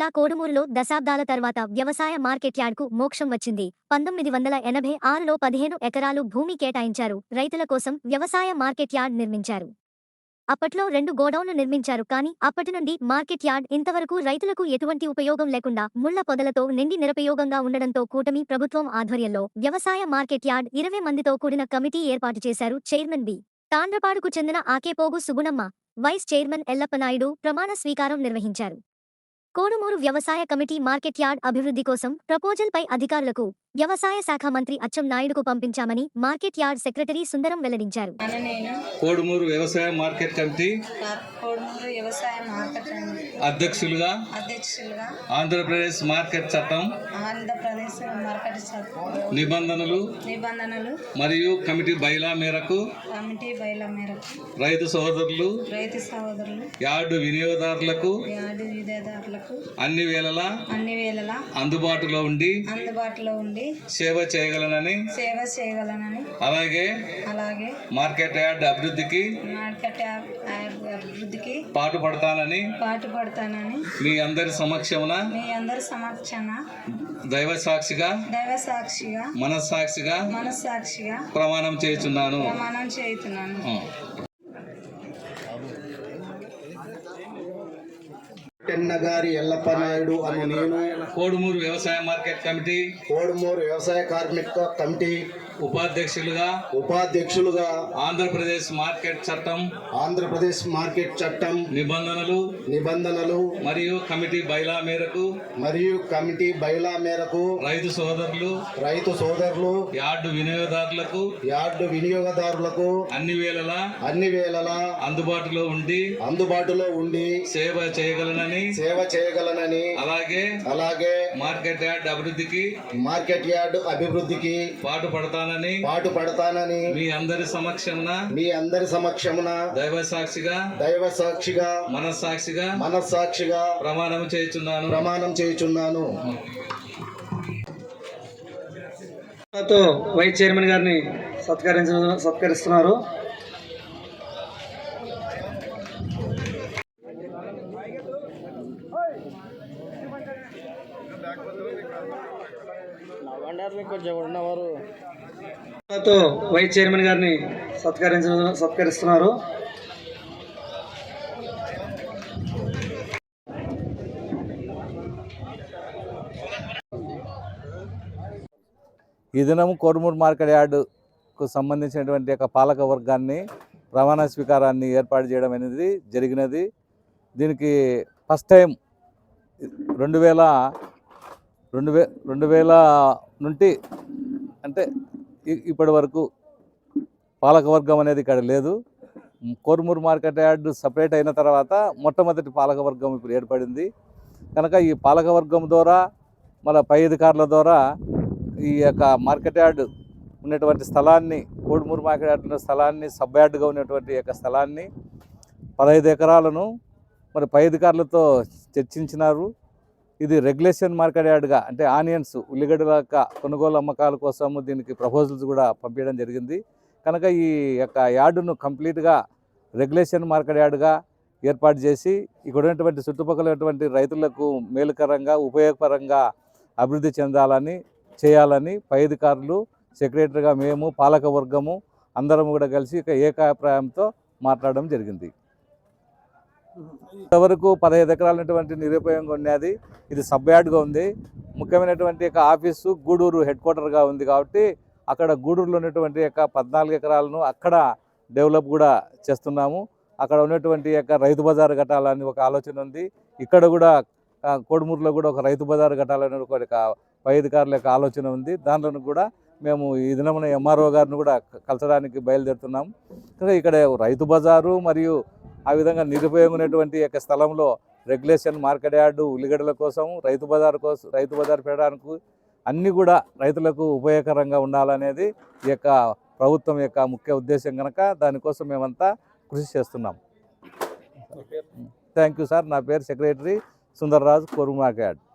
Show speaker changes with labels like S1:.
S1: జిల్లా కోడుమూరులో దశాబ్దాల తర్వాత వ్యవసాయ మార్కెట్ యార్డ్కు మోక్షం వచ్చింది. 1986లో 15 ఎకరాలు భూమి కేటాయించారు. రైతుల కోసం వ్యవసాయ మార్కెట్ యార్డ్ నిర్మించారు. అప్పట్లో 2 గోడౌన్లు నిర్మించారు. కానీ అప్పటి నుండి మార్కెట్ యార్డ్ ఇంతవరకు రైతులకు ఎటువంటి ఉపయోగం లేకుండా ముళ్ల పొదలతో నిండి నిరుపయోగంగా ఉండడంతో కూటమి ప్రభుత్వం ఆధ్వర్యంలో వ్యవసాయ మార్కెట్ యార్డ్ 20 మందితో కూడిన కమిటీ ఏర్పాటు చేశారు. Chairman B. తాండ్రపాడుకు చెందిన ఆకేపోగు సుగుణమ్మ, వైస్ చైర్మన్ ఎల్లప్పనాయుడు ప్రమాణ స్వీకారం నిర్వహించారు. కోడుమూరు వ్యవసాయ కమిటీ మార్కెట్ యార్డ్ అభివృద్ధి కోసం ప్రపోజల్పై అధికారులకు వ్యవసాయ శాఖ మంత్రి అచ్చెం నాయుడుకు పంపించామని మార్కెట్ యార్డ్ సెక్రటరీ సుందరం వెల్లడించారు.
S2: కోడుమూరు వ్యవసాయ మార్కెట్ కమిటీ అధ్యక్షులుగా ఆంధ్రప్రదేశ్ మార్కెట్ చట్టం నిబంధనలు మరియు కమిటీ బైలా మేరకు రైతు సోదరులు యార్డు వినియోగదారులకు అన్ని వేళలా అందుబాటులో ఉండి సేవ చేయగలనని అలాగే మార్కెట్ యార్డ్ అభివృద్ధికి పాటుపడతానని మీ అందరి సమక్షమున దైవ సాక్షిగా మనస్సాక్షిగా ప్రమాణం చేయుచున్నాను.
S3: టెన్నగారి ఎల్లప్పనాయుడు అను నేను
S2: కోడుమూరు వ్యవసాయ మార్కెట్ కమిటీ
S3: కోడుమూరు వ్యవసాయ కార్మిక కమిటీ ఉపాధ్యక్షులుగా
S2: ఆంధ్రప్రదేశ్ మార్కెట్ చట్టం నిబంధనలు మరియు కమిటీ బైలా మేరకు రైతు సోదరులు యార్డు వినియోగదారులకు అన్ని వేళలా అందుబాటులో ఉండి సేవ చేయగలనని అలాగే మార్కెట్ యార్డ్ అభివృద్ధికి పాటుపడతానని మీ అందరి సమక్షమున దైవ సాక్షిగా మనస్సాక్షిగా ప్రమాణం చేయుచున్నాను.
S4: వైస్ చైర్మన్ గారిని సత్కరిస్తున్నారు. వైస్ చైర్మన్ గారిని సత్కరిస్తున్నారు.
S5: ఈ దినం కోడుమూరు మార్కెట్ యార్డుకు సంబంధించినటువంటి యొక్క పాలక వర్గాన్ని ప్రమాణ స్వీకారాన్ని ఏర్పాటు చేయడం అనేది జరిగినది. దీనికి ఫస్ట్ టైం 2000 నుండి అంటే ఇప్పటి వరకు పాలకవర్గం అనేది ఇక్కడ లేదు. కోడుమూరు మార్కెట్ యార్డు సపరేట్ అయిన తర్వాత మొట్టమొదటి పాలకవర్గం ఇప్పుడు ఏర్పడింది కనుక ఈ పాలకవర్గం ద్వారా మన పై అధికారుల ద్వారా ఈ యొక్క మార్కెట్ యార్డు ఉన్నటువంటి స్థలాన్ని కోడుమూరు మార్కెట్ యార్డు ఉన్న స్థలాన్ని సబ్ యార్డుగా ఉన్నటువంటి యొక్క స్థలాన్ని 15 ఎకరాలను మరి పై అధికారులతో చర్చించినారు. ఇది రెగ్యులేషన్ మార్కెట్ యార్డ్గా అంటే ఆనియన్స్ ఉల్లిగడ్డల కొనుగోలు అమ్మకాల కోసము దీనికి ప్రపోజల్స్ కూడా పంపించడం జరిగింది కనుక ఈ యొక్క యార్డును కంప్లీట్గా రెగ్యులేషన్ మార్కెట్ యార్డ్గా ఏర్పాటు చేసి ఇక్కడ ఉన్నటువంటి చుట్టుపక్కల ఉన్నటువంటి రైతులకు మేలుకరంగా ఉపయోగపరంగా అభివృద్ధి చేయాలని పై అధికారులు సెక్రటరీగా మేము పాలక వర్గము అందరం కూడా కలిసి ఏకాభిప్రాయంతో మాట్లాడడం జరిగింది. ఇంతవరకు 15 ఎకరాలైనటువంటి నిరుపయోగంగా ఉన్నది. ఇది సబ్ యార్డ్గా ఉంది. ముఖ్యమైనటువంటి ఆఫీసు గూడూరు హెడ్ క్వార్టర్గా ఉంది కాబట్టి అక్కడ గూడూరులో ఉన్నటువంటి 14 ఎకరాలను అక్కడ డెవలప్ కూడా చేస్తున్నాము. అక్కడ ఉన్నటువంటి రైతు బజారు కట్టాలని ఒక ఆలోచన ఉంది. ఇక్కడ కూడా కోడుమూరులో కూడా ఒక రైతు బజారు కట్టాలని ఒక పై అధికారుల యొక్క ఆలోచన ఉంది. దాంట్లో కూడా మేము ఈ దినమున ఎంఆర్ఓ గారిని కూడా కలచడానికి బయలుదేరుతున్నాము. ఇక్కడ రైతు బజారు మరియు ఆ విధంగా నిరుపయోగం ఉన్నటువంటి స్థలంలో రెగ్యులేషన్ మార్కెట్ యార్డు ఉల్లిగడ్డల కోసం రైతు బజారు పెట్టడానికి అన్నీ కూడా రైతులకు ఉపయోగకరంగా ఉండాలనేది ఈ ప్రభుత్వం యొక్క ముఖ్య ఉద్దేశం కనుక దానికోసం మేమంతా కృషి చేస్తున్నాం. Thank you sir. నా పేరు secretary Sundarraju, Kodumuru market yard.